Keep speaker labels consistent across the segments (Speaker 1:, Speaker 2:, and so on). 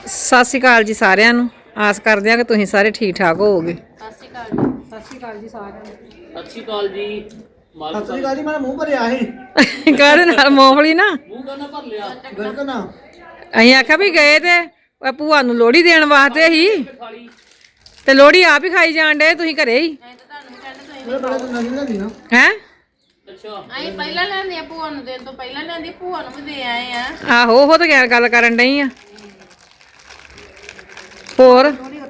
Speaker 1: ਸਤਿ ਸ਼੍ਰੀ ਅਕਾਲ ਜੀ ਸਾਰਿਆਂ ਨੂੰ। ਆਸ ਕਰਦੇ ਆ ਕਿ ਤੁਸੀਂ ਸਾਰੇ ਠੀਕ ਠਾਕ ਹੋਵੋਗੇ।
Speaker 2: ਸਤਿ ਸ਼੍ਰੀ ਅਕਾਲ ਜੀ। ਸਤਿ ਸ਼੍ਰੀ ਅਕਾਲ ਜੀ ਸਾਰਿਆਂ ਨੂੰ।
Speaker 3: ਸਤਿ ਸ਼੍ਰੀ ਅਕਾਲ ਜੀ।
Speaker 4: ਸਤਿ ਸ਼੍ਰੀ ਅਕਾਲ ਜੀ। ਮੇਰਾ ਮੂੰਹ ਭਰਿਆ ਸੀ
Speaker 1: ਕਾਹਦੇ ਨਾਲ? ਮੂੰਗਫਲੀ ਨਾ
Speaker 3: ਮੂੰਹ ਕਰਨਾ ਭਰ ਲਿਆ
Speaker 4: ਬਿਲਕੁਲ ਨਾ।
Speaker 1: ਅਸੀਂ ਆਖਿਆ ਵੀ ਗਏ ਤੇ ਉਹ ਭੂਆ ਨੂੰ ਲੋਹੜੀ ਦੇਣ ਵਾਸਤੇ ਹੀ
Speaker 3: ਖਾਲੀ
Speaker 1: ਤੇ ਲੋਹੜੀ ਆਪ ਹੀ ਖਾਈ ਜਾਣ ਡੇ। ਤੁਸੀਂ ਘਰੇ ਹੀ
Speaker 4: ਮੇਰੇ ਬੜੇ ਤੋਂ ਨਹੀਂ ਲੈਂਦੀ ਨਾ।
Speaker 1: ਹੈ?
Speaker 3: ਅੱਛਾ
Speaker 2: ਅਸੀਂ ਪਹਿਲਾਂ ਲੈਂਦੇ ਆ ਭੂਆ ਨੂੰ ਦੇਣ ਤੋਂ ਪਹਿਲਾਂ ਲੈਂਦੀ ਭੂਆ ਨੂੰ ਵੀ ਦੇ ਆਏ ਆ।
Speaker 1: ਆਹੋ ਉਹ ਤਾਂ ਗੱਲ ਕਰਨ ਡਈ ਆ। ਹੋਰ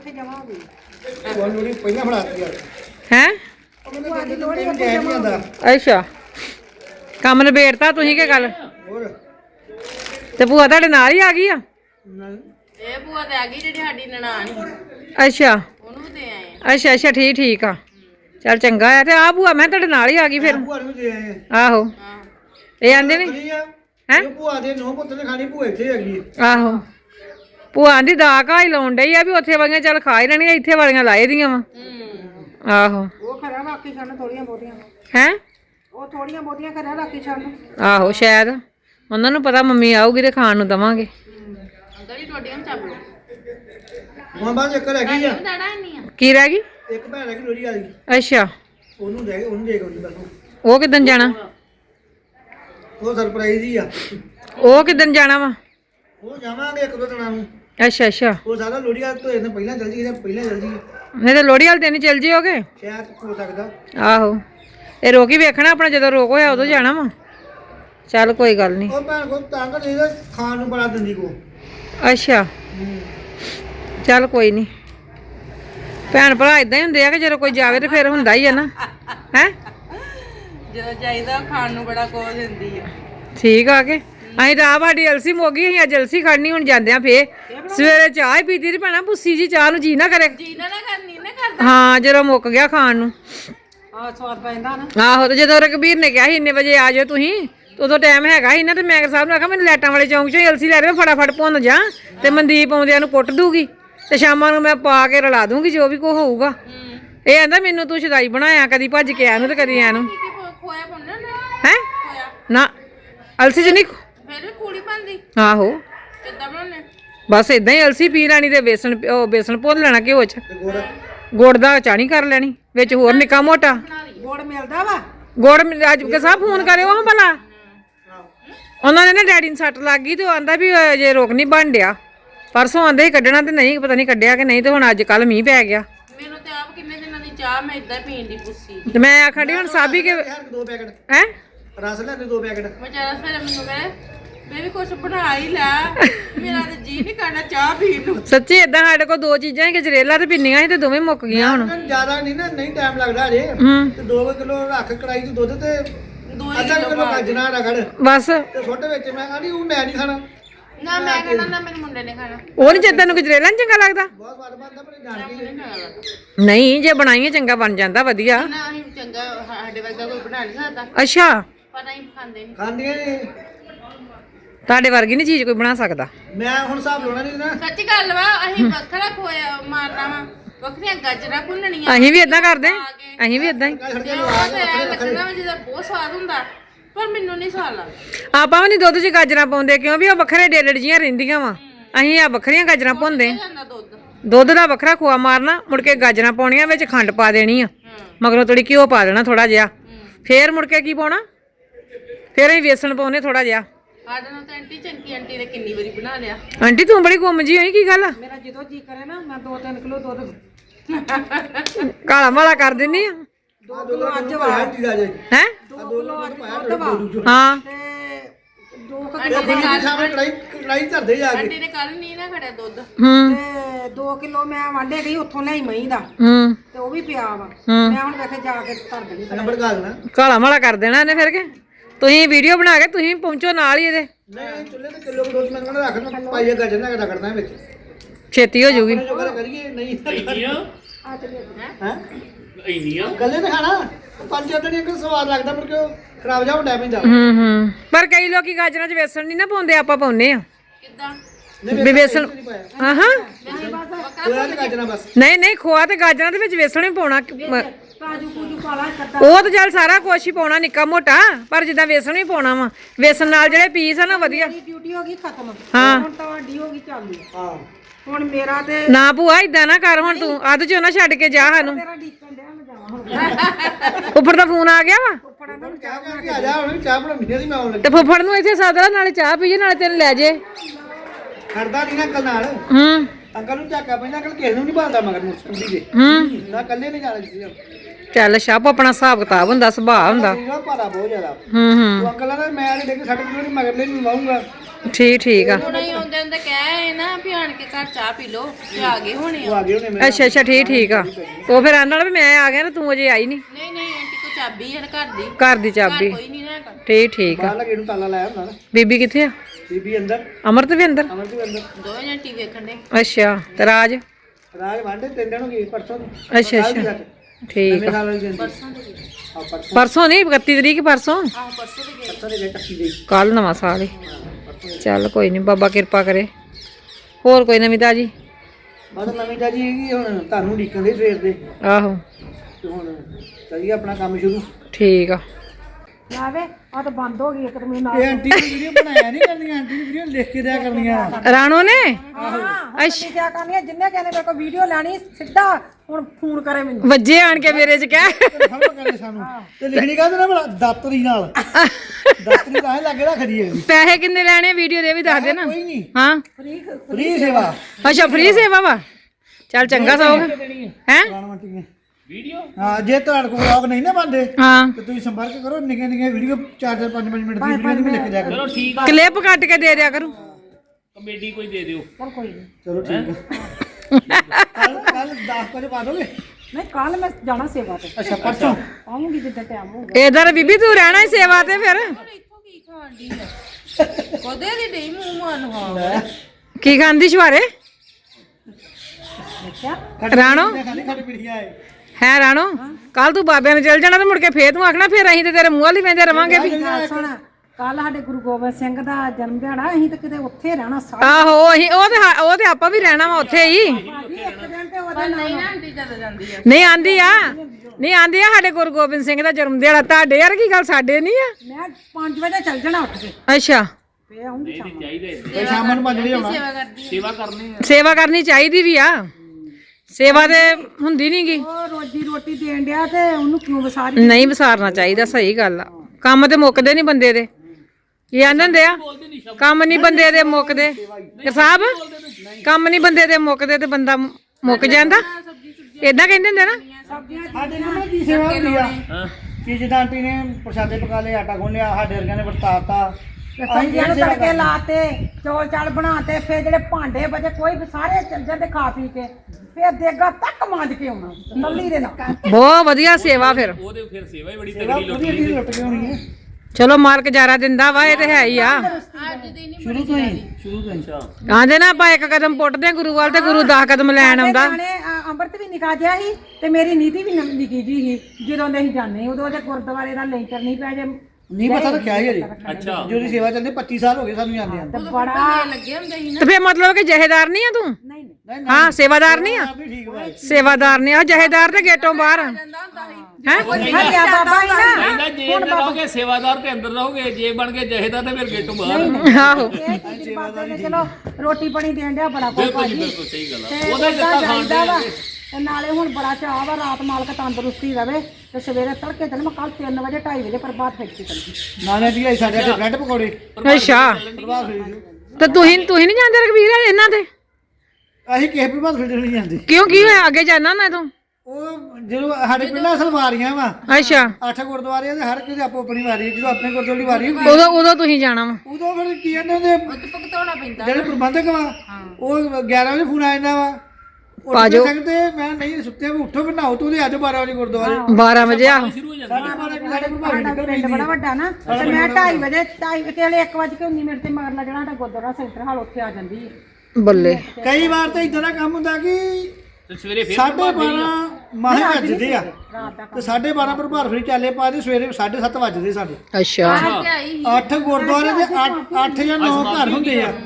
Speaker 4: ਉਹ ਲੋੜੀ ਪਹਿਲਾਂ ਫੜਾਤੀ ਯਾਰ।
Speaker 1: ਹੈ?
Speaker 4: ਲੋੜੀ ਉੱਥੇ ਜਮਾ ਹੁੰਦਾ।
Speaker 1: ਅੱਛਾ ਕੰਮ ਨਿਬੇੜਤਾ ਤੁਸੀਂ ਕੀ ਗੱਲ?
Speaker 4: ਹੋਰ
Speaker 1: ਤੇ ਭੂਆ ਤੁਹਾਡੇ ਨਾਲ ਹੀ ਆ ਗਈ ਆ?
Speaker 4: ਨਹੀਂ
Speaker 2: ਇਹ ਭੂਆ ਤੇ ਆ ਗਈ ਜਿਹੜੀ ਸਾਡੀ ਨਨਾਣ ਸੀ,
Speaker 1: ਅੱਛਾ
Speaker 2: ਉਹਨੂੰ ਵੀ ਦੇ ਆਏ ਆ।
Speaker 1: ਅੱਛਾ ਅੱਛਾ ਠੀਕ ਆ। ਚੱਲ ਚੰਗਾ ਆ। ਤੇ ਆ ਭੂਆ ਮੈਂ ਤੁਹਾਡੇ ਨਾਲ ਹੀ ਆ ਗਈ ਫਿਰ।
Speaker 4: ਭੂਆ ਨੂੰ ਦੇ ਆਏ ਆ।
Speaker 1: ਆਹੋ
Speaker 2: ਹਾਂ
Speaker 1: ਇਹ ਆਂਦੇ ਨੇ
Speaker 4: ਹੈ ਭੂਆ ਦੇ ਨੌ ਪੁੱਤ ਨੇ ਖਾਣੀ ਭੂਆ ਇੱਥੇ ਹੈਗੀ
Speaker 1: ਆਹੋ ਭੂਆ ਆਂਦੀ ਦਾ ਘਾਈ ਲਾਉਣ ਡਈ ਆ ਵੀ ਉੱਥੇ ਵਾਲੀਆਂ ਚੱਲ ਖਾ ਹੀ ਲੈਣੀਆਂ, ਇੱਥੇ ਵਾਲੀਆਂ ਲਾਏ ਦੀਆਂ ਵਾ। ਆਹੋ
Speaker 5: ਉਹ ਖਰਾ ਰਾਖੀ ਛੱਡ ਥੋੜੀਆਂ ਬਹੁਤੀਆਂ।
Speaker 1: ਹੈ?
Speaker 5: ਉਹ ਥੋੜੀਆਂ ਬਹੁਤੀਆਂ ਖਰਾ ਰਾਖੀ ਛੱਡ।
Speaker 1: ਆਹੋ ਸ਼ਾਇਦ ਉਹਨਾਂ ਨੂੰ ਪਤਾ ਮੰਮੀ ਆਊਗੀ ਤੇ ਖਾਣ ਨੂੰ ਦਵਾਂਗੇ।
Speaker 2: ਅੰਦਰ ਹੀ ਟੋਡੀਆਂ ਚੱਪ ਲਓ।
Speaker 4: ਹੁਣ ਬਾਅਦ ਇੱਕ ਰਹਿ ਗਈ ਆ।
Speaker 2: ਦਾੜਾ ਨਹੀਂ ਆ।
Speaker 1: ਕੀ ਰਹਿ ਗਈ?
Speaker 4: ਇੱਕ ਭੈਣ ਰਹਿ ਗਈ ਲੋੜੀ ਵਾਲੀ।
Speaker 1: ਅੱਛਾ
Speaker 4: ਉਹਨੂੰ ਦੇ ਕੇ ਉਹਨੂੰ ਦੱਸੋ।
Speaker 1: ਉਹ ਕਿੱਦਣ ਜਾਣਾ?
Speaker 4: ਉਹ ਸਰਪ੍ਰਾਈਜ਼ ਹੀ ਆ।
Speaker 1: ਉਹ ਕਿੱਦਣ ਜਾਣਾ ਵਾ?
Speaker 4: ਉਹ ਜਾਵਾਂਗੇ ਇੱਕ ਦੋ ਦਿਨਾਂ ਨੂੰ।
Speaker 1: ਅੱਛਾ ਅੱਛਾ
Speaker 4: ਉਹ ਸਾਰਾ ਲੋੜੀ ਵਾਲ ਤੋਂ ਇਹਨੇ ਪਹਿਲਾਂ ਚੱਲ ਜੀ ਪਹਿਲਾਂ ਚੱਲ ਜੀ
Speaker 1: ਨਹੀਂ ਤੇ ਲੋਹੜੀ ਵਾਲੇ ਦਿਨ ਹੀ ਚੱਲ ਜਿਓਗੇ।
Speaker 4: ਸ਼ਾਇਦ ਹੋ ਸਕਦਾ।
Speaker 1: ਆਹੋ ਇਹ ਰੋਕ ਹੀ ਵੇਖਣਾ ਆਪਣਾ, ਜਦੋਂ ਰੋਕ ਹੋਇਆ ਉਦੋਂ ਜਾਣਾ ਵਾ। ਚੱਲ ਕੋਈ ਗੱਲ ਨਹੀਂ।
Speaker 4: ਉਹ ਭੈਣ ਕੋ ਤੰਗ ਨਹੀਂ ਖਾਣ ਨੂੰ ਬੜਾ ਦਿੰਦੀ ਕੋ।
Speaker 1: ਅੱਛਾ ਚੱਲ ਕੋਈ ਨਹੀਂ। ਭੈਣ ਭਰਾ ਇਦਾਂ ਹੀ ਹੁੰਦੇ ਆ ਕਿ ਜਦੋਂ ਕੋਈ ਜਾਵੇ ਤੇ ਫਿਰ ਹੁੰਦਾ ਹੀ ਆ ਨਾ। ਹੈ
Speaker 2: ਜਦੋਂ ਚਾਹੀਦਾ ਖਾਣ ਨੂੰ ਬੜਾ ਕੋਲ ਦਿੰਦੀ ਆ।
Speaker 1: ਠੀਕ ਆ ਕੇ ਅਸੀਂ ਤਾਂ ਆਪ ਸਾਡੀ ਅਲਸੀ ਮੁੱਕ ਗਈ। ਅਸੀਂ ਅੱਜ ਅਲਸੀ ਖੜਨੀ ਹੁਣ ਜਾਂਦੇ ਆ ਫੇਰ। ਸਵੇਰੇ ਚਾਹ ਹੀ ਪੀਤੀ ਤੇ ਭੈਣਾ ਪੁੱਸੀ ਜੀ ਚਾਹ ਨੂੰ ਜੀ ਨਾ ਕਰੇ।
Speaker 2: ਜੀ ਨਾ ਕਰਨੀ ਨਾ ਕਰਦਾ।
Speaker 1: ਹਾਂ ਜਦੋਂ ਮੁੱਕ ਗਿਆ ਖਾਣ ਨੂੰ।
Speaker 5: ਆਹ ਸਵਾਦ ਪੈਂਦਾ ਨਾ।
Speaker 1: ਆਹੋ ਤੇ ਜਦੋਂ ਰਘਬੀਰ ਨੇ ਕਿਹਾ ਸੀ ਇੰਨੇ ਵਜੇ ਆ ਜਾਓ ਤੁਸੀਂ, ਤੇ ਉਦੋਂ ਟਾਈਮ ਹੈਗਾ ਸੀ ਨਾ। ਤੇ ਮੈਂ ਸਾਹਿਬ ਨੂੰ ਆਖਿਆ ਮੈਨੂੰ ਲਾਈਟਾਂ ਵਾਲੇ ਚੌਂਕ ਚੋਂ ਅਲਸੀ ਲੈ ਰਹੇ, ਫਟਾਫਟ ਭੁੰਨ ਜਾ ਤੇ ਮਨਦੀਪ ਆਉਂਦਿਆਂ ਨੂੰ ਕੁੱਟ ਦੂਗੀ ਤੇ ਸ਼ਾਮਾਂ ਨੂੰ ਮੈਂ ਪਾ ਕੇ ਰਲਾ ਦੂੰਗੀ ਜੋ ਵੀ ਕੋ ਹੋਊਗਾ। ਇਹ ਆਂਦਾ ਮੈਨੂੰ ਤੂੰ ਸ਼ਦਾਈ ਬਣਾਇਆ, ਕਦੀ ਭੱਜ ਕੇ ਆਨੂੰ ਤੇ ਕਦੀ ਐਨੂੰ।
Speaker 2: ਖੋਇਆ ਪਾਉਣਾ ਨਾ।
Speaker 1: ਹੈ
Speaker 2: ਖੋਇਆ
Speaker 1: ਨਾ ਅਲਸੀ ਚ ਨਹੀਂ।
Speaker 2: ਫਿਰ ਵੀ ਕੂੜੀ ਬਣਦੀ
Speaker 1: ਆਹੋ
Speaker 2: ਕਿੱਦਾਂ ਬਣਾਉਣੇ?
Speaker 1: ਬਸ ਇਦਾਂ ਹੀ ਅਲਸੀ ਪੀ ਲੈਣੀ ਤੇ ਬੇਸਣ ਭੁੰਨ ਲੈਣਾ ਘਿਓ ਚ।
Speaker 4: ਤੇ ਗੁੜ
Speaker 1: ਗੁੜ ਦਾ ਚਾਣੀ ਕਰ ਲੈਣੀ ਵਿੱਚ ਹੋਰ ਨਿੱਕਾ ਮੋਟਾ
Speaker 5: ਗੁੜ ਮਿਲਦਾ ਵਾ।
Speaker 1: ਗੁੜ। ਅੱਜ ਕੇ ਸਾਹਿਬ ਫੋਨ ਕਰਿਓ ਹਾਂ ਭਲਾ। ਉਹਨਾਂ ਨੇ ਨਾ ਡੈਡੀ ਨੂੰ ਸੱਟ ਲੱਗ ਗਈ ਤੇ ਉਹ ਆਂਦਾ ਵੀ ਜੇ ਰੋਕ ਨਹੀਂ ਬਣ ਡਿਆ। ਪਰਸੋਂ ਆਂਦੇ ਸੀ ਕੱਢਣਾ ਤੇ ਨਹੀਂ, ਪਤਾ ਨਹੀਂ ਕੱਢਿਆ ਕਿ ਨਹੀਂ। ਤੇ ਹੁਣ ਅੱਜ ਕੱਲ ਮੀਂਹ ਪੈ ਗਿਆ।
Speaker 2: ਮੈਨੂੰ ਤੇ ਆਪ ਕਿੰਨੇ ਦਿਨਾਂ ਦੀ ਚਾਹ ਮੈਂ ਇਦਾਂ ਪੀਣ ਦੀ ਪੁੱਛੀ।
Speaker 1: ਤੇ ਮੈਂ ਆਖਣ ਡਈ ਹੁਣ ਸਾਬੀ ਕੇ
Speaker 4: ਦੋ ਪੈਕਟ
Speaker 1: ਹੈ
Speaker 4: ਰਸ ਲੈ ਦੇ 2 ਪੈਕਟ।
Speaker 2: ਵਿਚਾਰਾ ਫਿਰ ਮੈਨੂੰ ਕਹੇ ਬੇਬੀ ਕੁਛ ਬਣਾ ਹੀ ਲੈ। ਮੇਰਾ ਤੇ ਜੀ ਨਹੀਂ ਕਰਦਾ ਚਾਹ ਪੀਣ ਨੂੰ।
Speaker 1: ਸੱਚੀ ਇਦਾਂ ਸਾਡੇ ਕੋਲ ਦੋ ਚੀਜ਼ਾਂ ਸੀ, ਗਜਰੇਲਾ ਤੇ ਪਿੰਨੀਆਂ ਸੀ ਤੇ ਦੋਵੇਂ ਮੁੱਕ ਗਈਆਂ ਹੁਣ।
Speaker 4: ਜਿਆਦਾ ਨਹੀਂ ਨਾ, ਨਹੀਂ ਟਾਈਮ ਲੱਗਦਾ ਅਜੇ।
Speaker 1: ਹੂੰ
Speaker 4: ਤੇ 2 ਕਿਲੋ ਰੱਖ ਕੜਾਈ ਚ ਦੁੱਧ ਤੇ
Speaker 2: ਦੋ ਹੀ
Speaker 4: ਅੱਧਾ ਕਿਲੋ ਗਾਜਰਾਂ ਰਗੜ
Speaker 1: ਬਸ
Speaker 4: ਤੇ ਸੁੱਟ ਵਿੱਚ। ਮੈਂ ਕਹਿੰਦੀ ਉਹ ਮੈਂ ਨਹੀਂ ਖਾਣਾ।
Speaker 2: ਨਾ ਮੈਂ ਖਾਣਾ ਨਾ ਮੇਰੇ ਮੁੰਡੇ ਨੇ ਖਾਣਾ।
Speaker 1: ਉਹ ਨਹੀਂ ਜਿੱਦਾਂ ਨੂੰ ਗਜਰੇਲਾ ਨੀ ਚੰਗਾ ਲੱਗਦਾ।
Speaker 4: ਬਹੁਤ ਸਵਾਦ ਬਣਦਾ ਪਰ ਇਹ ਜਾਣ ਕੇ ਹੀ।
Speaker 2: ਨਹੀਂ ਖਾਣਾ।
Speaker 1: ਨਹੀਂ ਜੇ ਬਣਾਈਏ ਚੰਗਾ ਬਣ ਜਾਂਦਾ ਵਧੀਆ।
Speaker 2: ਨਾ ਅਸੀਂ ਚੰਗਾ ਸਾਡੇ ਵਰਗਾ ਕੋਈ ਬਣਾ ਨਹੀਂ ਸਕਦਾ,
Speaker 1: ਅੱਛਾ
Speaker 2: ਪਰ ਅਸੀਂ ਖਾਂਦੇ ਨਹੀਂ।
Speaker 4: ਖਾਂਦੀਆਂ ਨੇ।
Speaker 1: ਤੁਹਾਡੇ ਵਰਗੀ ਨਹੀਂ ਚੀਜ਼ ਕੋਈ ਬਣਾ ਸਕਦਾ।
Speaker 4: ਮੈਂ ਹੁਣ ਹਿਸਾਬ ਲਾਉਣਾ ਨਹੀਂ ਨਾ।
Speaker 2: ਸੱਚੀ ਗੱਲ ਵਾ, ਅਸੀਂ ਵੱਖਰਾ ਖੋਇਆ ਮਾਰਨਾ ਵਾ, ਵੱਖਰੀਆਂ ਗਾਜਰਾਂ ਭੁੰਨਣੀਆਂ।
Speaker 1: ਅਸੀਂ ਵੀ ਇਦਾਂ ਕਰਦੇ। ਅਸੀਂ ਵੀ ਇਦਾਂ ਹੀ।
Speaker 2: ਤੇ ਉਹ ਤੇ ਐਂ ਲੱਗਣਾ ਵਾ ਜਿਹਦਾ ਬਹੁਤ ਸਵਾਦ ਹੁੰਦਾ, ਪਰ ਮੈਨੂੰ ਨਹੀਂ ਸਵਾਦ ਲੱਗਦਾ।
Speaker 1: ਆਪਾਂ ਵੀ ਨਹੀਂ ਦੁੱਧ 'ਚ ਗਾਜਰਾਂ ਪਾਉਂਦੇ, ਕਿਉਂ ਵੀ ਉਹ ਵੱਖਰੇ ਡੇਲੜ ਜੀਆਂ ਰਹਿੰਦੀਆਂ ਵਾ। ਅਸੀਂ ਆ ਵੱਖਰੀਆਂ ਗਾਜਰਾਂ ਪਾਉਂਦੇ।
Speaker 2: ਜਾਂਦਾ ਦੁੱਧ।
Speaker 1: ਦੁੱਧ ਦਾ ਵੱਖਰਾ ਖੋਆ ਮਾਰਨਾ, ਮੁੜ ਕੇ ਗਾਜਰਾਂ ਪਾਉਣੀਆਂ, ਵਿੱਚ ਖੰਡ ਪਾ ਦੇਣੀ ਆ, ਮਗਰੋਂ ਥੋੜੀ ਘਿਓ ਪਾ ਦੇਣਾ ਥੋੜਾ ਜਿਹਾ। ਫੇਰ ਮੁੜ ਕੇ ਕੀ ਪਾਉਣਾ? ਫੇਰ ਅਸੀਂ ਵੇਸਣ ਪਾਉਨੇ ਥੋੜਾ ਜਿਹਾ।
Speaker 2: ਸਾਡੇ ਨਾਲ ਤਾਂ ਆਂਟੀ ਚੰਕੀ ਆਂਟੀ ਨੇ ਕਿੰਨੀ ਵਾਰੀ ਬਣਾ ਲਿਆ।
Speaker 1: ਆਂਟੀ ਤੂੰ ਬੜੀ ਗੁੰਮ ਜੀ ਹੋਈ, ਕੀ ਗੱਲ ਆ?
Speaker 5: ਮੇਰਾ ਜਦੋਂ ਜੀ ਕਰੇ ਨਾ ਮੈਂ 2-3 ਕਿਲੋ ਦੁੱਧ
Speaker 1: ਕਾਲਾ ਮਾਲਾ ਕਰ ਦਿੰਨੀ ਆ।
Speaker 5: 2 ਕਿਲੋ ਅੱਜ ਵਾ।
Speaker 4: ਹੈ ਚੀਜ਼ ਆ ਜਾਏ।
Speaker 1: ਹੈ
Speaker 5: 2 ਕਿਲੋ ਅੱਜ ਦੁੱਧ ਵਾ
Speaker 1: ਹਾਂ
Speaker 5: ਤੇ 2
Speaker 4: ਕਿਲੋ ਸਾਹਮਣੇ ਕੜਾਈ ਧਰਦੇ ਜਾ ਕੇ।
Speaker 2: ਆਂਟੀ ਨੇ ਕੱਲ ਨਹੀਂ ਨਾ ਖੜਿਆ ਦੁੱਧ।
Speaker 1: ਹੂੰ
Speaker 5: ਤੇ 2 ਕਿਲੋ ਮੈਂ ਵਾਂਡੇ ਗਈ ਉੱਥੋਂ ਲਈ ਮਹੀਂ ਦਾ
Speaker 1: ਹੂੰ
Speaker 5: ਤੇ ਉਹ ਵੀ ਪਿਆ ਵਾ। ਮੈਂ ਹੁਣ ਵੇਖੇ ਜਾ ਕੇ ਧਰ ਦੇਣੀ।
Speaker 4: ਨੰਬਰ ਗਾ ਦੇਣਾ।
Speaker 1: ਕਾਲਾ ਮਾਲਾ ਕਰ ਦੇਣਾ ਇਹਨੇ ਫਿਰ ਕੇ। ਤੁਸੀਂ ਵੀਡੀਓ ਬਣਾ ਕੇ ਤੁਸੀਂ ਪਹੁੰਚੋ ਨਾਲ ਹੀ ਇਹਦੇ।
Speaker 4: ਨਹੀਂ ਚੁੱਲ੍ਹੇ ਤੇ ਕਿਲੋ ਦੁੱਧ ਮੈਂ ਕਹਿੰਦਾ ਰੱਖਣਾ ਪਾਈਆ ਗਾਜਰ ਨਾ ਰਗੜਨਾ ਵਿੱਚ।
Speaker 1: ਛੇਤੀ ਹੋ ਜਾਊਗੀ।
Speaker 4: ਜੋ ਕਰ ਕਰੀਏ ਨਹੀਂ
Speaker 3: ਇੰਨੀਆਂ
Speaker 4: ਹੈ
Speaker 3: ਇੰਨੀਆਂ
Speaker 4: ਗੱਲੇ ਤੇ ਖਾਣਾ 5 ਦਿਨ ਇੱਕ ਸਵਾਦ ਲੱਗਦਾ ਮੁੜ ਕੇ ਉਹ ਖਰਾਬ ਜਾ ਹੁੰਦਾ ਪੈਂਦਾ।
Speaker 1: ਹੂੰ ਪਰ ਕਈ ਲੋਕੀ ਗਾਜਰਾਂ 'ਚ ਵੇਸਣ ਨਹੀਂ ਨਾ ਪਾਉਂਦੇ, ਆਪਾਂ ਪਾਉਂਦੇ ਆ
Speaker 2: ਕਿੱਦਾਂ?
Speaker 1: ਵੀ ਵੇਸਣ। ਹਾਂ
Speaker 4: ਹੋਇਆ ਤੇ ਗਾਜਰਾਂ ਬਸ।
Speaker 1: ਨਹੀਂ ਨਹੀਂ ਖੋਆ ਤੇ ਗਾਜਰਾਂ ਦੇ ਵਿੱਚ ਵੇਸਣ ਹੀ ਪਾਉਣਾ।
Speaker 5: ਕਾਜੂ ਕੂਜੂ ਪਾ ਲਾ ਕੱਦਾ
Speaker 1: ਉਹ ਤਾਂ ਚੱਲ ਸਾਰਾ ਕੁਛ ਹੀ ਪਾਉਣਾ ਨਿੱਕਾ ਮੋਟਾ, ਪਰ ਜਿੱਦਾਂ ਵੇਸਣ ਵੀ ਪਾਉਣਾ ਵਾ, ਵੇਸਣ ਨਾਲ ਜਿਹੜੇ ਪੀਸ ਆ ਨਾ ਵਧੀਆ।
Speaker 5: ਮੇਰੀ ਡਿਊਟੀ ਹੋ ਗਈ ਖਤਮ।
Speaker 1: ਹਾਂ।
Speaker 5: ਹੁਣ ਤੁਹਾਡੀ ਹੋ ਗਈ ਚਾਲੂ।
Speaker 4: ਹਾਂ
Speaker 5: ਹੁਣ ਮੇਰਾ ਤੇ
Speaker 1: ਨਾ ਭੂਆ ਇਦਾਂ ਨਾ ਕਰ, ਹੁਣ ਤੂੰ ਅੱਧ ਚੋਂ ਨਾ ਛੱਡ ਕੇ ਜਾ ਸਾਨੂੰ।
Speaker 5: ਤੇਰਾ ਡੀਕਨ ਡਿਆ ਮੈਂ ਜਾਵਾਂ ਹੁਣ।
Speaker 1: ਉੱਪਰ ਦਾ ਫੋਨ ਆ ਗਿਆ ਵਾ,
Speaker 5: ਫੜਾ ਨਾ
Speaker 4: ਚਾਹ ਬਣਾ ਕੇ ਆ ਜਾ, ਹੁਣ ਚਾਹ ਬਣਾਉਣੀ ਆ ਸੀ ਮੈਂ ਆਉਣ
Speaker 1: ਤੇ ਫੁੱਫੜ ਨੂੰ ਇੱਥੇ ਸਾਦਰਾ, ਨਾਲੇ ਚਾਹ ਪੀਏ ਨਾਲੇ ਤੈਨੂੰ ਲੈ ਜੇ।
Speaker 4: ਖੜਦਾ ਨਹੀਂ ਨਾ ਅੰਕਲ ਨਾਲ।
Speaker 1: ਹੂੰ
Speaker 4: ਅੰਕਲ ਨੂੰ ਝਾਕਾ ਪੈਂਦਾ, ਅੰਕਲ ਕਿਸੇ ਨੂੰ ਨਹੀਂ ਭਾਲਦਾ ਮਗਰ ਨੂੰ ਸਕੂਟੀ ਦੇ
Speaker 1: ਹੂੰ
Speaker 4: ਨਾ ਕੱਲੇ ਨਹੀਂ ਜਾਣਾ ਕਿਸੇ ਨੂੰ।
Speaker 1: ਚੱਲ ਸ਼ਾਪ ਆਪਣਾ ਹਿਸਾਬ ਕਿਤਾਬ ਹੁੰਦਾ, ਸੁਭਾਅ ਹੁੰਦਾ।
Speaker 4: ਸੀਗਾ ਭਾਰਾ ਬਹੁਤ ਜ਼ਿਆਦਾ।
Speaker 1: ਹੂੰ
Speaker 4: ਉਹ ਅੰਕਲ ਆ ਨਾ, ਮੈਂ ਨਹੀਂ ਦੇਖ ਸਾਡੇ ਕੋਲ ਨਹੀਂ ਮਗਰਲੇ ਨੂੰ ਲਾਉਂਗਾ।
Speaker 1: ਠੀਕ ਆ।
Speaker 2: ਹੁਣ ਹੀ ਆਉਂਦੇ ਹੁੰਦੇ ਕਹਿ ਨਾ ਵੀ ਆਣ ਕੇ ਘਰ ਚਾਹ ਪੀ ਲਓ ਤੇ ਆ ਗਏ ਹੋਣੇ
Speaker 4: ਉਹ
Speaker 2: ਆ।
Speaker 4: ਆ ਗਏ ਉਹਨੇ ਮੇਰੇ
Speaker 1: ਅੱਛਾ ਠੀਕ ਆ। ਉਹ ਫਿਰ ਆਣ ਨਾਲ ਵੀ ਮੈਂ ਆ ਗਿਆ ਨਾ, ਤੂੰ ਅਜੇ ਆਈ ਨਹੀਂ।
Speaker 2: ਨਹੀਂ ਨਹੀਂ ਆਂਟੀ ਕੋ ਚਾਬੀ ਹੈ ਨਾ ਘਰ ਦੀ,
Speaker 1: ਘਰ ਦੀ ਚਾਬੀ।
Speaker 2: ਕੋਈ ਨਹੀਂ ਨਾ ਹੈਗਾ।
Speaker 1: ਠੀਕ ਆ।
Speaker 4: ਬਾਹਰ ਲੱਗੇ ਨੂੰ ਤਾਲਾ ਲਾਇਆ ਹੁੰਦਾ ਨਾ।
Speaker 1: ਬੀਬੀ ਕਿੱਥੇ ਆ?
Speaker 4: ਬੀਬੀ ਅੰਦਰ,
Speaker 1: ਅਮਰਤ ਵੀ ਅੰਦਰ।
Speaker 4: ਅਮਰ ਵੀ ਅੰਦਰ।
Speaker 2: ਦੋਵੇਂ ਜਣੇ ਟੀਵੀ ਵੇਖਣ ਦੇ।
Speaker 1: ਅੱਛਾ ਤੇ ਰਾਜ?
Speaker 4: ਰਾਜ ਵਾਂਡੇ 3 ਦਿਨ ਹੋ ਗਏ ਪਰਸੋਂ ਨੂੰ।
Speaker 1: ਅੱਛਾ ਠੀਕ
Speaker 4: ਨਵੇਂ
Speaker 1: ਆ।
Speaker 4: ਸਾਲ ਵਾਲੀ ਦਿਨ ਦੀ।
Speaker 2: ਪਰਸੋਂ ਦੇ ਗਏ।
Speaker 4: ਆ ਪਰਸੋਂ
Speaker 1: ਪਰਸੋਂ ਨਹੀਂ 31 ਤਰੀਕ ਪਰਸੋਂ,
Speaker 2: ਆਹ ਪਰਸੋਂ ਦੇ ਗਏ।
Speaker 4: ਪਰਸੋਂ ਦੇ ਗਏ ਕੱਟੀ ਦੇ।
Speaker 1: ਕੱਲ ਨਵਾਂ ਸਾਲ ਏ। ਚੱਲ ਕੋਈ ਨਹੀਂ, ਬਾਬਾ ਕਿਰਪਾ ਕਰੇ। ਹੋਰ ਕੋਈ ਨਵੀਂ ਤਾਜੀ?
Speaker 4: ਬਸ ਨਵੀਂ ਤਾਜੀ ਹੈਗੀ, ਹੁਣ ਤੁਹਾਨੂੰ ਢੀਕਣ ਦੇ ਸਵੇਰ ਦੇ
Speaker 1: ਆਹੋ
Speaker 4: ਤੇ ਹੁਣ ਕਰੀਏ ਆਪਣਾ ਕੰਮ ਸ਼ੁਰੂ।
Speaker 1: ਠੀਕ ਆ।
Speaker 5: ਲਾਵੇ ਆ ਤਾਂ ਬੰਦ ਹੋ ਗਈ ਇੱਕ ਤੇ ਮੈਨੂੰ ਨਾਲ।
Speaker 4: ਇਹ ਆਂਟੀ ਨੇ ਵੀਡੀਓ ਬਣਾਇਆ ਨਹੀਂ ਕਰਨੀਆਂ, ਆਂਟੀ ਨੇ ਵੀਡੀਓ ਲਿਖ ਕੇ ਦਿਆ ਕਰਨੀਆਂ।
Speaker 1: ਰਾਣੋ ਨੇ?
Speaker 5: ਹਾਂ ਅੱਛਾ ਕਿਆ ਕਰਨੀ ਹੈ, ਜਿੰਨੇ ਕਹਿੰਦੇ ਮੇਰੇ ਕੋਲ ਵੀਡੀਓ ਲੈਣੀ ਸਿੱਧਾ ਹੁਣ ਫੋਨ ਕਰੇ ਮੈਨੂੰ।
Speaker 1: ਵੱਜੇ ਆਣ ਕੇ ਮੇਰੇ ਚ ਕਹਿ।
Speaker 4: ਸਭ ਕਰੇ ਸਾਨੂੰ ਤੇ ਲਿਖਣੀ ਕਾਹਦੇ ਨਾਲ ਭਲਾ? ਦਾਤਰੀ ਨਾਲ। ਦਾਤਰੀ ਤਾਂ ਐ ਲੱਗੇ ਰੱਖਦੀ ਹੈ।
Speaker 1: ਪੈਸੇ ਕਿੰਨੇ ਲੈਣੇ ਵੀਡੀਓ ਦੇ ਵੀ ਦੱਸ ਦੇ ਨਾ।
Speaker 4: ਕੋਈ ਨਹੀਂ,
Speaker 1: ਹਾਂ
Speaker 4: ਫ੍ਰੀ ਸੇਵਾ।
Speaker 1: ਅੱਛਾ ਫ੍ਰੀ ਸੇਵਾ ਵਾ। ਚੱਲ ਚੰਗਾ ਸੌ ਹੈ।
Speaker 3: ਵੀਡੀਓ
Speaker 4: ਹਾਂ ਜੇ ਤੁਹਾਡੇ ਕੋਲ ਵਲੌਗ ਨਹੀਂ ਨਾ ਬਣਦੇ
Speaker 1: ਹਾਂ
Speaker 4: ਤੇ ਤੁਸੀਂ ਸੰਪਰਕ ਕਰੋ। ਨਿੱਕੀਆਂ ਨਿੱਕੀਆਂ ਵੀਡੀਓ 4-4 5 ਮਿੰਟ ਦੀ ਵੀਡੀਓ ਵੀ ਲਿਖ ਦਿਆ ਕਰੋ।
Speaker 3: ਚਲੋ ਠੀਕ ਆ,
Speaker 1: ਕਲਿੱਪ ਕੱਟ ਕੇ ਦੇ ਦਿਆ ਕਰੂ।
Speaker 3: ਕਮੇਡੀ ਕੋਈ ਦੇ ਦਿਓ।
Speaker 5: ਚਲ ਕੋਈ ਨਹੀਂ।
Speaker 4: ਚਲੋ ਠੀਕ ਹੈ। ਕੱਲ 10 ਵਜੇ ਪਾ ਦੋਗੇ?
Speaker 5: ਨਹੀਂ ਕੱਲ ਮੈਂ ਜਾਣਾ ਸੇਵਾ ਤੇ।
Speaker 4: ਅੱਛਾ ਪਰਸੋਂ
Speaker 5: ਆਉਂਗੀ ਜਿੱਦਾਂ ਟਾਈਮ ਹੋਊਗਾ।
Speaker 1: ਇਧਰ ਬੀਬੀ ਤੂੰ ਰਹਿਣਾ ਹੀ ਸੇਵਾ ਤੇ ਫਿਰ।
Speaker 2: ਇੱਥੋਂ ਕੀ ਖਾਣ ਦੀ ਹੈ? ਕੋਦੇ ਦੀ ਡਈ ਮੂੰਹ ਮਨ ਹਾਂ।
Speaker 1: ਕੀ ਖਾਂਦੀ ਸ਼ਵਾਰੇ?
Speaker 5: ਅੱਛਾ
Speaker 1: ਰਾਣੋ
Speaker 4: ਖਾਲੀ ਖੱਟ ਪਿੜੀਆਂ
Speaker 1: ਹੈ ਰਾਣੋ, ਕੱਲ ਤੂੰ ਬਾਬਿਆਂ ਨੇ ਚਲ ਜਾਣਾ ਤੇ ਮੁੜ ਕੇ ਫੇਰ ਤੂੰ ਆਖਣਾ ਫਿਰ ਅਸੀਂ ਤੇ ਤੇਰੇ ਮੂੰਹ ਵਾਲੀ ਵੇਂਦੇ ਰਵਾਂਗੇ ਵੀ।
Speaker 5: ਸੁਣ ਕੱਲ ਸਾਡੇ ਗੁਰੂ ਗੋਬਿੰਦ ਸਿੰਘ ਦਾ ਜਨਮ ਦਿਹਾੜਾ, ਅਸੀਂ ਤਾਂ ਕਿਤੇ ਉੱਥੇ ਰਹਿਣਾ ਸਾਰੇ।
Speaker 1: ਆਹੋ ਅਸੀਂ ਉਹ ਤੇ ਆਪਾਂ ਵੀ ਰਹਿਣਾ ਵਾ ਉੱਥੇ ਹੀ।
Speaker 5: ਇੱਕ ਦਿਨ ਤੇ ਉਹਦੇ
Speaker 2: ਨਹੀਂ ਨਾ ਆਂਟੀ ਜਦ ਜਾਂਦੀ ਆ।
Speaker 1: ਨਹੀਂ ਆਂਦੀ ਆ ਸਾਡੇ ਗੁਰੂ ਗੋਬਿੰਦ ਸਿੰਘ ਦਾ ਜਨਮ ਦਿਹਾੜਾ। ਤੁਹਾਡੇ ਯਾਰ ਕੀ ਗੱਲ, ਸਾਡੇ ਨਹੀਂ ਆ।
Speaker 5: ਮੈਂ 5 ਵਜੇ ਚੱਲ ਜਾਣਾ ਉੱਠ ਕੇ,
Speaker 1: ਅੱਛਾ
Speaker 5: ਫੇਰ ਆਉਂਗੀ ਸ਼ਾਮ ਨੂੰ।
Speaker 3: ਚਾਹੀਦੇ
Speaker 4: ਸ਼ਾਮ ਨੂੰ 5 ਵਜੇ ਆਉਣਾ।
Speaker 2: ਸੇਵਾ ਕਰਦੀ ਆ।
Speaker 3: ਸੇਵਾ ਕਰਨੀ ਆ।
Speaker 1: ਸੇਵਾ ਕਰਨੀ ਚਾਹੀਦੀ ਵੀ ਆ। ਸੇਵਾ ਤੇ ਹੁੰਦੀ ਨੀ ਗੀ।
Speaker 5: ਉਹ ਰੋਜੀ ਰੋਟੀ ਦੇਣ ਡਿਆ ਤੇ ਉਹਨੂੰ ਕਿਉਂ ਵਿਸਾਰੀ?
Speaker 1: ਨਹੀਂ ਵਿਸਾਰਨਾ ਚਾਹੀਦਾ, ਸਹੀ ਗੱਲ ਆ। ਕੰਮ ਤੇ ਮੁੱਕਦੇ ਨਹੀਂ ਬੰਦੇ ਦੇ। ਕੀ ਆਂਦੇ ਹੁੰਦੇ ਆ, ਕੰਮ ਨਹੀਂ ਬੰਦੇ ਦੇ ਮੁੱਕਦੇ। ਸਾਹਿਬ ਕੰਮ ਨਹੀਂ ਬੰਦੇ ਦੇ ਮੁੱਕਦੇ ਤੇ ਬੰਦਾ ਮੁੱਕ ਜਾਂਦਾ, ਏਦਾਂ ਕਹਿੰਦੇ ਹੁੰਦੇ ਨਾ।
Speaker 4: ਸਾਡੇ ਕੋਲ ਕੀ ਸੇਵਾ ਹੁੰਦੀ ਆ ਕਿ ਜਿੱਦਾਂ ਆਂਟੀ ਨੇ ਪ੍ਰਸ਼ਾਦੇ ਪਕਾ ਲਏ, ਆਟਾ ਗੁੰਨ ਲਿਆ, ਸਾਡੇ ਵਰਗਿਆਂ ਨੇ ਵਰਤਾਤਾ।
Speaker 5: ਸੰਜੀਆਂ ਨੂੰ ਤੜਕੇ ਲਾਤੇ, ਚੌਲ ਚਾਲ ਬਣਾਤੇ, ਫੇਰ ਜਿਹੜੇ ਭਾਂਡੇ ਬਚੇ ਕੋਈ ਸਾਰੇ ਚੱਲ ਜਾਂਦੇ ਖਾ ਪੀ ਕੇ, ਫੇਰ ਦੇਗਾ ਤੱਕ ਮਾਂਜ ਕੇ ਆਉਣਾ ਲੱਲੀ ਦੇ ਨਾਲ।
Speaker 1: ਬਹੁਤ ਵਧੀਆ ਸੇਵਾ ਫਿਰ।
Speaker 3: ਉਹਦੇ ਫਿਰ ਸੇਵਾ ਹੀ ਬੜੀ
Speaker 4: ਸੇਵਾ
Speaker 3: ਤਗੜੀ
Speaker 4: ਪੂਰੀ
Speaker 3: ਲੁੱਟੀ।
Speaker 4: ਲੁੱਟ ਕੇ ਹੋਣੀ ਹੈ
Speaker 1: ਚਲੋ ਮਾਲਕ ਜਾਰਾ ਦਿੰਦਾ ਵਾ, ਇਹ ਤੇ ਹੈ ਹੀ ਆ।
Speaker 2: ਅੱਜ ਦੀ ਨਹੀਂ
Speaker 4: ਸ਼ੁਰੂ ਤੋਂ ਹੀ। ਸ਼ੁਰੂ ਤੋਂ ਹੀ
Speaker 1: ਆਂਦੇ ਨਾ ਆਪਾਂ ਇੱਕ ਕਦਮ ਪੁੱਟਦੇ ਗੁਰੂ ਵੱਲ ਤੇ ਗੁਰੂ 10 ਕਦਮ ਲੈਣ ਆਉਂਦਾ।
Speaker 5: ਅੰਮ੍ਰਿਤ ਵੀ ਨਿਕਾ ਜਿਆ ਸੀ ਤੇ ਮੇਰੀ ਨੀਤੀ ਵੀ ਨਿੱਕੀ ਜੀ ਸੀ। ਜਦੋਂ ਦੇ ਅਸੀਂ ਜਾਂਦੇ ਉਦੋਂ ਉਹਦੇ ਗੁਰਦੁਆਰੇ ਦਾ ਲੈਂਟਰ ਨਹੀਂ ਪਿਆ, ਜੇ
Speaker 4: ਨਹੀਂ ਪਤਾ ਰੱਖਿਆ ਹੀ ਅਜੇ।
Speaker 3: ਅੱਛਾ
Speaker 4: ਜੋ ਦੀ ਸੇਵਾ ਚੱਲਦੀ 25 ਸਾਲ ਹੋ ਗਏ ਸਾਨੂੰ ਜਾਂਦੇ ਆਂ।
Speaker 5: ਤੇ ਬੜਾ
Speaker 2: ਲੱਗੇ ਹੁੰਦੇ ਸੀ ਨਾ।
Speaker 1: ਤੇ ਫੇਰ ਮਤਲਬ ਕਿ ਜਹੇਦਾਰ ਨਹੀਂ ਆ ਤੂੰ?
Speaker 5: ਨਹੀਂ
Speaker 4: ਨਹੀਂ
Speaker 1: ਹਾਂ ਸੇਵਾਦਾਰ ਨਹੀਂ ਆ।
Speaker 4: ਠੀਕ ਵਾ।
Speaker 1: ਸੇਵਾਦਾਰ ਨੇ ਆ, ਜਹੇਦਾਰ ਤੇ ਗੇਟੋਂ ਬਾਹਰ ਹੈ।
Speaker 5: ਹਰਿਆ ਬਾਬਾ ਹੀ ਨਾ।
Speaker 3: ਕਹਿੰਦਾ ਜੇ ਅੰਦਰ ਰਹੋਗੇ ਸੇਵਾਦਾਰ ਤੇ ਅੰਦਰ ਰਹੋਗੇ, ਜੇ ਬਣ ਕੇ ਜਹੇਦਾਰ ਤੇ ਫਿਰ ਗੇਟੋਂ ਬਾਹਰ।
Speaker 1: ਆਹੋ
Speaker 5: ਇਹ ਚੀਜ਼ ਬਾਬੇ ਨੇ ਚਲੋ ਰੋਟੀ ਪਾਣੀ ਦੇਣ ਡਿਆ ਬੜਾ ਕੁਝ
Speaker 3: ਬਿਲਕੁਲ ਜੀ,
Speaker 5: ਭਾਜੀ।
Speaker 3: ਬਿਲਕੁਲ ਸਹੀ ਗੱਲ ਆ।
Speaker 5: ਤੇ
Speaker 3: ਉਹਦਾ
Speaker 5: ਏਦਾਂ
Speaker 3: ਦਿੱਤਾ ਖਾਣ
Speaker 5: ਜਾਈਦਾ ਵਾ।
Speaker 3: ਦੇ
Speaker 5: ਤੇ ਨਾਲੇ ਹੁਣ ਬੜਾ ਚਾਹ ਵਾ, ਰਾਤ ਮਾਲਕ ਤੰਦਰੁਸਤੀ ਰਵੇ ਤੇ ਸਵੇਰੇ ਤੜਕੇ ਚੱਲ। ਮੈਂ ਕੱਲ 3 ਵਜੇ 2:30 ਵਜੇ ਪ੍ਰਭਾਤ ਫੈਕਟਰੀ ਚੱਲੀ।
Speaker 4: ਨਾਲੇ ਦੀ ਸਾਡੇ ਇੱਥੇ ਬ੍ਰੈਡ ਪਕੌੜੇ
Speaker 1: ਅੱਛਾ
Speaker 4: ਪ੍ਰਭਾਤ ਫੇਰੀ।
Speaker 1: ਤੇ ਤੁਸੀਂ ਨਹੀਂ ਜਾਂਦੇ ਰਘਵੀਰ ਇਹਨਾਂ ਦੇ?
Speaker 4: ਅਸੀਂ ਕਿਸੇ ਪ੍ਰਭਾਤ ਫੇਰੀ ਨਹੀਂ ਜਾਂਦੇ।
Speaker 1: ਕਿਉਂ ਕੀ ਹੋਇਆ, ਅੱਗੇ ਜਾਣਾ ਨਾ ਤੂੰ?
Speaker 4: ਉਹ ਜਦੋਂ ਸਾਡੇ ਪਿੰਡਾਂ ਸਲਵਾਰੀਆਂ ਵਾ,
Speaker 1: ਅੱਛਾ
Speaker 4: 8 ਗੁਰਦੁਆਰੇ ਤੇ ਹਰ ਕਿਸੇ ਆਪੋ ਆਪਣੀ ਵਾਰੀ। ਜਦੋਂ ਆਪਣੇ ਗੁਰਦੁਆਰੇ ਦੀ ਵਾਰੀ ਹੁੰਦੀ
Speaker 1: ਉਦੋਂ ਤੁਸੀਂ ਜਾਣਾ ਵਾ।
Speaker 4: ਉਦੋਂ ਫਿਰ ਕੀ ਕਹਿੰਦੇ ਹੁੰਦੇ
Speaker 2: ਭੁਗਤਾਉਣਾ ਪੈਂਦਾ।
Speaker 4: ਜਿਹੜੇ ਪ੍ਰਬੰਧਕ ਵਾ ਉਹ 11 ਵਜੇ ਫੋਨ ਆ ਜਾਂਦਾ ਵਾ,
Speaker 1: ਆਜੋ।
Speaker 4: ਤੇ ਮੈਂ ਨਹੀਂ ਸੁੱਤੇ ਵੀ ਉੱਠੋ ਬਣਾਓ ਤੂੰ ਤੇ ਅੱਜ 12 ਵਜੇ ਗੁਰਦੁਆਰੇ
Speaker 1: 12 ਵਜੇ ਆ।
Speaker 3: ਸ਼ੁਰੂ ਹੋ ਜਾਂਦਾ।
Speaker 4: 12 ਸਾਡੇ ਪ੍ਰਭਾਤ
Speaker 5: ਸਾਡਾ ਪਿੰਡ ਬੜਾ ਵੱਡਾ ਨਾ, ਤੇ ਮੈਂ 2:30 ਵਜੇ 2:30 ਵੇਲੇ 1:19 ਮਿੰਟ ਤੇ ਮਗਰ ਲੱਗਣਾ ਤਾਂ ਗੁਰਦੁਆਰਾ ਸੈਂਟਰ ਹਾਲ ਉੱਥੇ ਆ ਜਾਂਦੀ ਹੈ।
Speaker 1: ਬੱਲੇ
Speaker 4: ਕਈ ਵਾਰ ਤਾਂ ਇਦਾਂ ਦਾ ਕੰਮ ਹੁੰਦਾ ਕਿ
Speaker 3: ਤੇ ਸਵੇਰੇ ਫਿਰ
Speaker 4: 12:30 ਮਾਹੇ ਵੱਜਦੇ ਆ
Speaker 5: ਰਾਤ ਦਾ
Speaker 4: ਤੇ 12:30 ਪ੍ਰਭਾਤ ਫੇਰੀ ਚਾਲੇ ਪਾ ਦੇ, ਸਵੇਰੇ 7:30 ਵੱਜਦੇ ਸਾਡੇ।
Speaker 1: ਅੱਛਾ
Speaker 4: 8 ਗੁਰਦੁਆਰੇ ਦੇ 8 ਜਾਂ 9 ਘਰ ਹੁੰਦੇ ਆ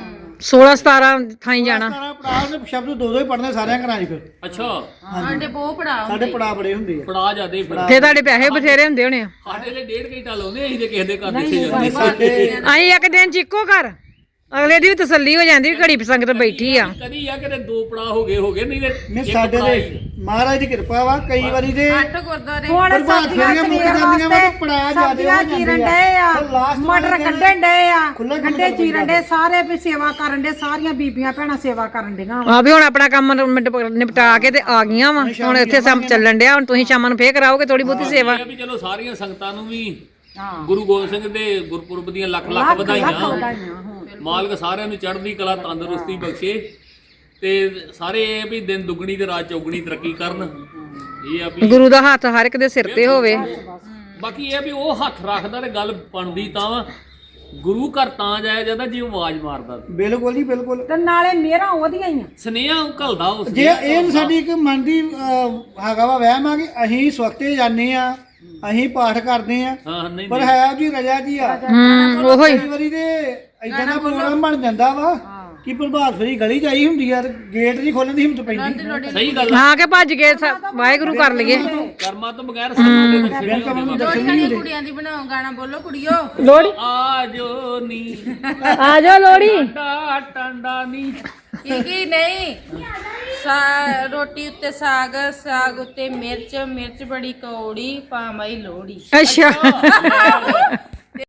Speaker 1: 16 17 ਥਾਈ ਜਾਣਾ।
Speaker 4: ਸਾਰਾ ਪੜਾਅ ਨੇ ਸ਼ਬਦ ਦੋ ਹੀ ਪੜਨੇ ਸਾਰਿਆਂ ਘਰਾਂ 'ਚ ਫਿਰ
Speaker 3: ਅੱਛਾ
Speaker 2: ਸਾਡੇ ਬਹੁਤ ਪੜਾ
Speaker 4: ਸਾਡੇ ਪੜਾਅ ਬੜੇ ਹੁੰਦੇ ਆ।
Speaker 3: ਪੜਾ ਜਾਂਦੇ ਫਿਰ
Speaker 1: ਫੇਰ ਤੁਹਾਡੇ ਪੈਸੇ ਬਥੇਰੇ ਹੁੰਦੇ ਹੋਣੇ ਆ।
Speaker 3: ਸਾਡੇ ਲਈ 1.5 ਘੰਟਾ ਲਾਉਂਦੇ ਅਸੀਂ ਤੇ ਕਿਸੇ ਦੇ ਘਰ ਦਿੱਤੇ ਜਾਂਦੇ
Speaker 4: ਸਾਡੇ
Speaker 1: ਅਸੀਂ ਇੱਕ ਦਿਨ ਚ ਇੱਕੋ ਘਰ, ਅਗਲੇ ਦੀ ਵੀ ਤਸੱਲੀ ਹੋ ਜਾਂਦੀ ਵੀ ਘੜੀ ਸੰਗਤ ਬੈਠੀ ਆ।
Speaker 3: ਕਦੀ ਆ ਕਿਤੇ 2 ਪੜਾ ਹੋ ਗਏ ਨਹੀਂ ਤੇ
Speaker 4: ਨੇ
Speaker 3: ਇੱਕ
Speaker 4: ਸਾਡੇ
Speaker 3: ਪੜਾਅ
Speaker 4: ਦੇ
Speaker 3: ਹੀ।
Speaker 4: ਮਹਾਰਾਜ ਦੀ ਕਿਰਪਾ ਵਾ ਕਈ ਵਾਰੀ ਤੇ
Speaker 2: 8 ਗੁਰਦੁਆਰੇ
Speaker 5: ਹੁਣ
Speaker 4: ਪ੍ਰਭਾਤ
Speaker 5: ਸਬਜ਼ੀਆਂ
Speaker 4: ਫੇਰੀਆਂ ਮੁੱਕ ਜਾਂਦੀਆਂ ਵਾ ਤੇ ਪੜਾਅ ਜ਼ਿਆਦੇ
Speaker 5: ਸਬਜ਼ੀਆਂ
Speaker 4: ਹੋ ਜਾਂਦੇ
Speaker 5: ਚੀਰਨ
Speaker 4: ਆ।
Speaker 5: ਡਏ ਆ,
Speaker 4: ਤੇ last
Speaker 5: ਮਟਰ
Speaker 4: ਵਾਲੇ ਦਿਨ
Speaker 5: ਕੱਢਣ ਡਏ ਆ,
Speaker 4: ਖੁੱਲ੍ਹਾ ਖੁੱਲ੍ਹਾ
Speaker 5: ਗੰਡੇ ਚੀਰਨ ਡਏ, ਸਾਰੇ ਵੀ ਸੇਵਾ ਕਰਨ ਡੇ, ਸਾਰੀਆਂ ਬੀਬੀਆਂ ਭੈਣਾਂ ਸੇਵਾ ਕਰਨ ਡੀਆਂ।
Speaker 1: ਆ ਵੀ ਹੁਣ ਆਪਣਾ ਕੰਮ ਨਿਪਟਾ ਕੇ ਤੇ ਆ ਗਈਆਂ ਵਾ। ਹੁਣ ਇੱਥੇ ਸਭ ਚੱਲਣ ਡਿਆ। ਹੁਣ ਤੁਸੀਂ ਸ਼ਾਮਾਂ ਨੂੰ ਫੇਰ ਕਰਾਓਗੇ ਥੋੜੀ ਬਹੁਤੀ ਸੇਵਾ।
Speaker 3: ਇਹ ਆ ਵੀ ਚਲੋ ਸਾਰੀਆਂ ਸੰਗਤਾਂ ਨੂੰ ਵੀ
Speaker 5: ਹਾਂ
Speaker 3: ਗੁਰੂ ਗੋਬਿੰਦ ਸਿੰਘ ਦੇ ਗੁਰਪੁਰਬ ਦੀਆਂ ਲੱਖ ਲੱਖ ਵਧਾਈਆਂ।
Speaker 5: ਵਧਾਈਆਂ ਹੋਣ।
Speaker 3: ਮਾਲਕ ਸਾਰਿਆਂ ਨੂੰ ਚੜ੍ਹਦੀ ਕਲਾ ਤੰਦਰੁਸਤੀ ਬਖਸ਼ੇ ਤੇ ਸਾਰੇ ਇਹ ਵੀ ਦਿਨ ਦੁੱਗਣੀ ਤੇ ਰਾਤ ਚੌਗਣੀ ਤਰੱਕੀ ਕਰਨ। ਇਹ ਆ ਵੀ
Speaker 1: ਗੁਰੂ ਦਾ ਹੱਥ ਹਰ ਇੱਕ ਦੇ ਸਿਰ ਤੇ ਹੋਵੇ।
Speaker 3: ਬਾਕੀ ਇਹ ਆ ਵੀ ਉਹ ਹੱਥ ਰੱਖਦਾ ਤੇ ਗੱਲ ਬਣਦੀ ਤਾਂ ਵਾ। ਗੁਰੂ ਘਰ ਤਾਂ ਜਾਇਆ ਜਾਂਦਾ ਜੇ ਉਹ ਆਵਾਜ਼ ਮਾਰਦਾ।
Speaker 4: ਬਿਲਕੁਲ ਜੀ ਬਿਲਕੁਲ।
Speaker 5: ਤੇ ਨਾਲੇ ਮੇਰਾ ਉਹਦੀਆਂ ਹੀ ਆ।
Speaker 3: ਸੁਨੇਹਾ ਉਹ ਘੱਲਦਾ ਉਸ
Speaker 4: ਜੇ ਇਹ ਸਾਡੀ ਇੱਕ ਮਨ ਦੀ ਹੈਗਾ ਵਾ ਵਹਿਮ ਆ ਕਿ ਅਸੀਂ ਸਵਖਤੇ ਜਾਂਦੇ ਆ, ਅਸੀਂ ਪਾਠ ਕਰਦੇ ਆ,
Speaker 3: ਹਾਂ ਨਹੀਂ
Speaker 4: ਪਰ ਹੈ ਜੀ ਰਜਾ ਜੀ ਆ।
Speaker 1: ਉਹੋ ਹੀ
Speaker 4: ਕਈ ਵਾਰੀ ਤੇ ਇਦਾਂ ਦਾ ਪ੍ਰੋਗਰਾਮ ਬਣ ਜਾਂਦਾ ਵਾ ਕਿ ਪ੍ਰਭਾਤ ਫੇਰੀ ਗਲੀ ਜਾਈ ਹੁੰਦੀ ਆ ਤੇ ਗੇਟ ਨਹੀਂ ਖੋਲਣ ਦੀ ਹਿੰਮਤ ਪੈਂਦੀ।
Speaker 3: ਸਹੀ ਗੱਲ ਆ।
Speaker 1: ਹਾਂ ਕਿ ਭੱਜ ਕੇ ਵਾਹਿਗੁਰੂ ਕਰ ਲਈਏ।
Speaker 3: ਕਰਮਾਂ ਤੋਂ ਬਗੈਰ ਸਾਨੂੰ ਦੇ ਦਰਸ਼ਨ ਨਹੀਂ ਹੁੰਦੇ।
Speaker 2: ਲੋੜੀ ਸਾਡੀ ਕੁੜੀਆਂ ਦੀ ਬਣਾਓ ਗਾਣਾ ਬੋਲੋ ਕੁੜੀਓ।
Speaker 1: ਲੋੜੀ
Speaker 3: ਆਜੋ ਨੀ
Speaker 1: ਆ ਜਾਓ ਲੋੜੀ।
Speaker 3: ਟਾਂਡਾ ਟਾਂਡਾ ਨੀ
Speaker 2: ਕੀ ਨਹੀਂ ਰੋਟੀ ਉੱਤੇ ਸਾਗ, ਸਾਗ ਉੱਤੇ ਮਿਰਚ, ਮਿਰਚ ਬੜੀ ਕੌੜੀ, ਪਾਵਾਈ ਲੋੜੀ।
Speaker 1: ਅੱਛਾ